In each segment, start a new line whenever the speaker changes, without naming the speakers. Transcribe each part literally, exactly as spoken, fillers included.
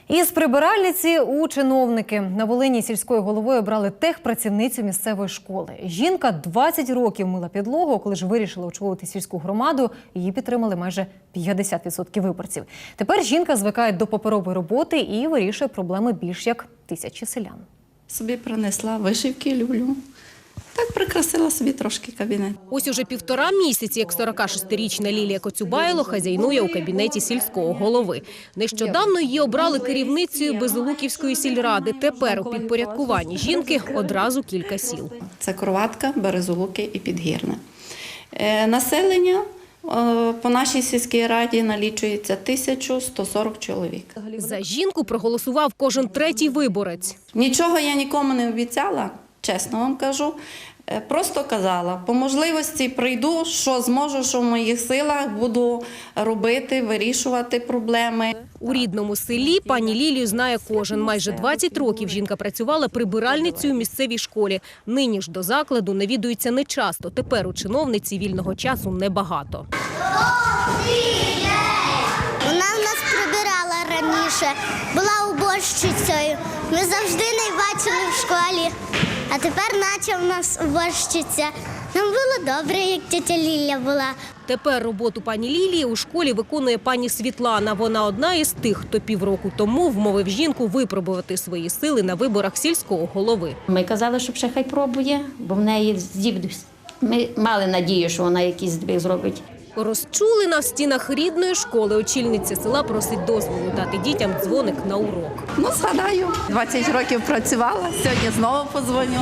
Із прибиральниці у чиновники. На Волині сільською головою обрали техпрацівницю місцевої школи. Жінка двадцять років мила підлогу. Коли ж вирішила очолити сільську громаду, її підтримали майже п'ятдесят відсотків виборців. Тепер жінка звикає до паперової роботи і вирішує проблеми більш як тисячі селян.
Собі принесла вишивки, люблю. Так прикрасила собі трошки кабінет.
Ось уже півтора місяці, як сорокашестирічна Лілія Коцюбайло хазяйнує у кабінеті сільського голови. Нещодавно її обрали керівницею Безолуківської сільради. Тепер у підпорядкуванні жінки одразу кілька сіл.
Це Кроватка, Березолуки і Підгірне. Е, населення е, по нашій сільській раді налічується тисяча сто сорок чоловік.
За жінку проголосував кожен третій виборець.
Нічого я нікому не обіцяла, чесно вам кажу. Просто казала, по можливості прийду, що зможу, що в моїх силах, буду робити, вирішувати проблеми.
У рідному селі пані Лілію знає кожен. Майже двадцять років жінка працювала прибиральницею у місцевій школі. Нині ж до закладу навідується нечасто. Тепер у чиновниці вільного часу небагато.
Вона в нас прибирала раніше, була уборщицею. Ми завжди не бачили в школі. А тепер наче в нас уборщиця. Нам було добре, як тетя Ліля була.
Тепер роботу пані Лілії у школі виконує пані Світлана. Вона одна із тих, хто півроку тому вмовив жінку випробувати свої сили на виборах сільського голови.
Ми казали, що ще хай пробує, бо в неї здібність. Ми мали надію, що вона якийсь здвиг зробить.
Розчулена в стінах рідної школи, очільниця села просить дозволу дати дітям дзвоник на урок.
Ну, згадаю, двадцять років працювала, сьогодні знову подзвоню.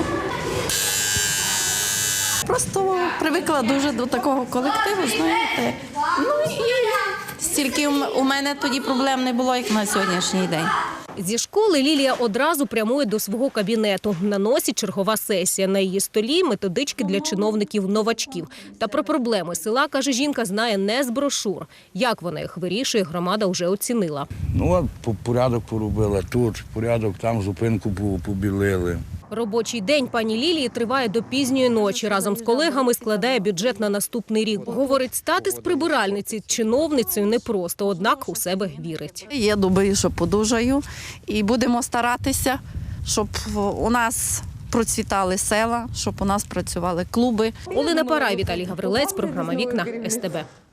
Просто привикла дуже до такого колективу, знаєте. Ну і стільки у мене тоді проблем не було, як на сьогоднішній день.
Зі школи Лілія одразу прямує до свого кабінету. На носі чергова сесія. На її столі методички для чиновників-новачків. Та про проблеми села, каже жінка, знає не з брошур. Як вона їх вирішує, громада вже оцінила.
Ну, от порядок поробила тут, порядок там, зупинку побілили.
Робочий день пані Лілії триває до пізньої ночі. Разом з колегами складає бюджет на наступний рік. Говорить, стати з прибиральниці чиновницею непросто, однак у себе вірить.
Я думаю, що подужаю і будемо старатися, щоб у нас процвітали села, щоб у нас працювали клуби.
Олена Парай, Віталій Гаврилець, програма «Вікна», ес те бе.